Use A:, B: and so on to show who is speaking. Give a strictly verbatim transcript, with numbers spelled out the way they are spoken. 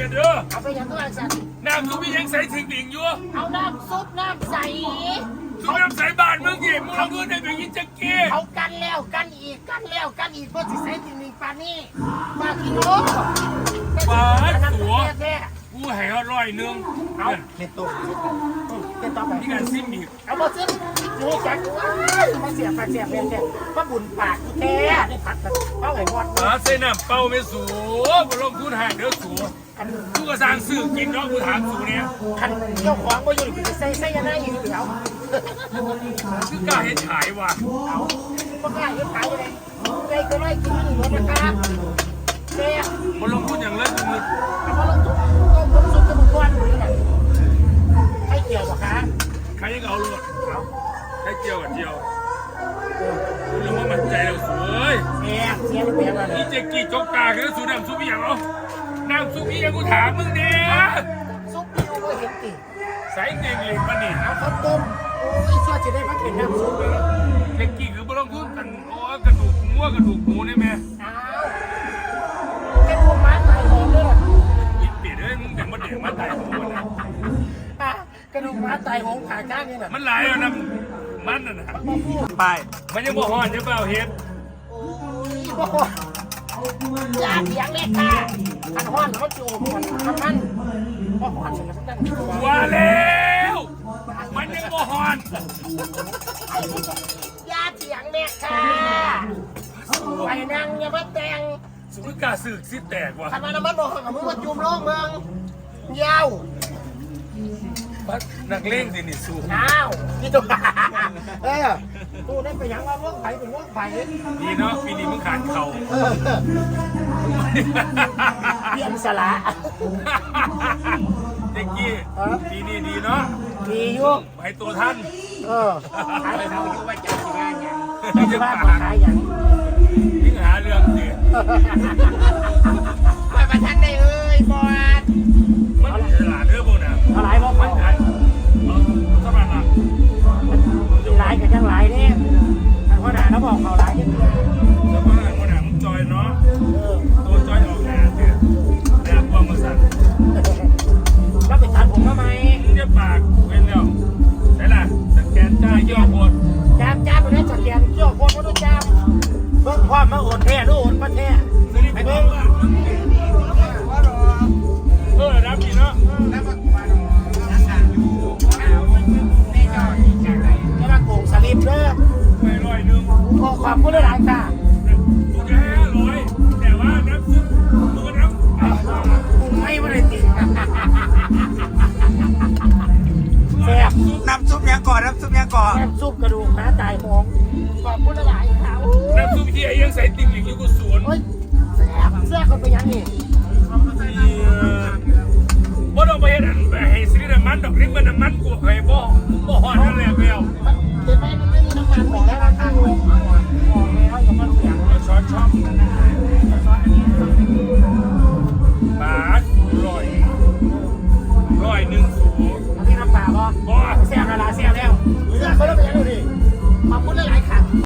A: เด้อ
B: เอาไปยังตัวสัตว์
A: น้ำซุปยังใส่ถึงดิ่งอยู่
B: เอาน้ำซุปน้ำใส
A: ซุปน้ำใสบานมึงเก็บมึงเอาเงินได้ไปยินจักเกี้
B: เอากันแล้วกันอีกกันแล้วกันอีกเพื่อจะใส่ถึงหนึ่งปานี่ปากิโล
A: ปาตัวกูให้เขาร้อยนึง
B: เอาเม็ดตัวเม็ดตัวแบบ
A: นี่กันซิมอีก
B: เอามาซิมนี่จังมาเสียบมาเสียบเป็นเนี่ยมาบุญปากแท้ได้ผัดเอาไอ้หอด
A: มาใส่น้ำเป่าไม่สูบลงทุนหาเด้อสูกูก็สร้างสื่อกินเนาะกูถามสูเนี่ย
B: คันเจ้าของก็อยู่ใส่ใส่ยังไงอยู่เดี๋ยว
A: คือกล้าเห็นขายว่ะ
B: เอาก็กล้าเห็นขายยังไงใจก็ไล่กินหมดนะครับเจ๊
A: มาลงทุนอย่างเลิศมือ
B: เอามาลงทุนก็ลงทุนจะมึงก้อนหรือไงให้เกี่ยวหรอคะ
A: ใครยังเอาลูกเอาให้เจียวกับเจียวคุณรู้ว่ามันใจเราสวย
B: เสียเสียเสียมา
A: นี่เจ๊กี้จกตาคือสูน้ำซุปอย่างเอาน้ำซุปยังกูถามมึงเนี่ย
B: ซุปดิวก็เห็นติ
A: ใส่เด็กหลิงมาดิ
B: เอาข้าวต้มโอ้ยเชื่อจะได้พักเห็นน้ำซุปเลย
A: เจ๊กี้คือมาลงทุนกันโอ้กระดูกงัวกระดูกหมูได้ไหม
B: อ้าวเป็นพวกม้าตายหอมเลย
A: อีเปียดเอ้ยมึงแต่มาเด็กมาตายหมูนะ
B: กระดูกม้าตายหงขาข้างนี่แหละ
A: มันหลายแล้วนะมันน่ะนะไปมันยังบ่หอนยังเปล่าเฮ็ด
B: โอ้ยบ่หอนยาเสียงเล็กค่ะขันหอนเขาจูบมันทำมันบ่หอนเลยนะ
A: ว่าแล้วมันยังบ่หอน
B: ยาเสียงเล็กค่ะไปนั่งอย่ามาแต่ง
A: สุกาสึกสิแตกว่ะ
B: ทำไมน้ำมันบอกกับมึงมาจุ่มโลกเมืองยาว
A: นักเล่งสินี่สู้
B: อ้าวนี่ตัวเออกูได้ไปยังว่าว่องไผ่เป็นว่องไผ่
A: ดีเนาะปีนี้มึงขาดเข่า
B: เปลี่ยนสละ
A: เจ๊กี้ปีนี้ดีเนาะ
B: ดีอยู่
A: ไปตัวท่าน
B: เออขายเขาอยู่ว่าจะทำงานอย่างไม่จะว่าขายอย่าง
A: ยิ่งหาเรื่องสิ
B: ไปประชันได้เอ้ยบอส
A: มันฉลาดเรื่องพวกนั้น
B: อะไรบ้างมัน
A: ไสบายละ
B: หลายกับยังหลายเนี่ยเพราะหนาเขาบอกเขาหลายยังเดียว
A: แล้วก็หนามึงจอยเนาะตัวจอยออกแหนเตี้ยแหนพวงมาสั่น
B: แล้วไปตัดผมทำไม
A: มึงจะปากเว้นแล้วใช่ล่ะสแกนจ่ายย่อโคตร
B: จ้าจ้าไปได้สแกนย่อโคตรมาด้วยจ้าเพิ่งความมาโอนแท้ด้วยโอนมาแท้
A: ไปเพิ่งเออรับดีเนาะ
B: จะมาโกงสลิปเด้อ
A: ไม่ร้อยหนึ่ง
B: ขอขอบคุณหลายค่ะ
A: กูจะให้ร้อยแต่ว่าน้ำซุปตัวน้ำ
B: กูไม่ไม่ได้ติดแซ่บ
C: น้ำซุปยังก่อนน้ำซุปยังก่อน
B: น้ำซุปกระดูกม้าตายหงขอบคุณหลายค่ะ
A: น้ำซุปที่ไอ้ยังใส่ติ่งหลิงอยู่กูสวน
B: แซ่บแซ่บคนไปยังนี่
A: บ่ต้องไปเห็นให้ซื้อน้ำมันดอกนี้มันน้ำมันกูให้บ่บ่หอนนั่นแหละเปล่า